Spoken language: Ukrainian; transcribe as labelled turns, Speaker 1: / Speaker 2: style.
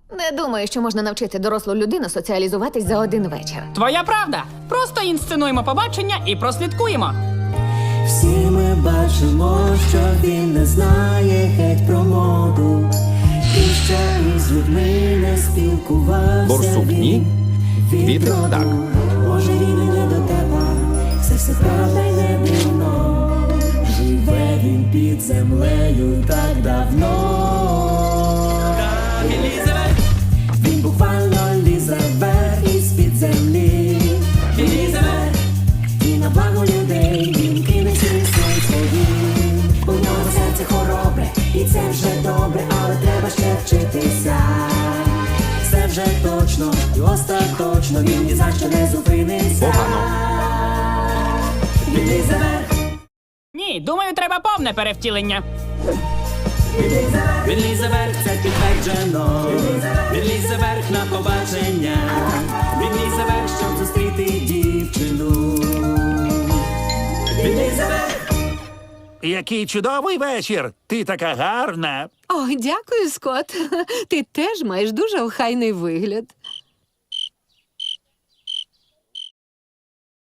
Speaker 1: Не думаю, що можна навчити дорослу людину соціалізуватись за один вечір.
Speaker 2: Твоя правда. Просто інсценуємо побачення і прослідкуємо.
Speaker 3: Всі ми бачимо, що він не знає геть про моду. І ще із людьми не спілкувався.
Speaker 4: Борсук ні? Вітер так.
Speaker 3: Може він і не до тебе, все правда й не дивно. Живе він під землею так давно. Він буквально лізе вверх із-під землі. Він лізе вверх, і на благо людей він кине свій своїм. У нього серце хоробре, і це вже добре, але треба ще вчитися. Все вже точно, і остаточно, він ні за що не зупиниться. Він лізе вверх.
Speaker 2: Ні, думаю, треба повне перевтілення.
Speaker 3: Він лізе вверх, це підтверджено. Він лізе вверх на побачення. Він лізе вверх, щоб зустріти дівчину. Він лізе вверх.
Speaker 4: Який чудовий вечір! Ти така гарна.
Speaker 5: О, дякую, Скотт. Ти теж маєш дуже охайний вигляд.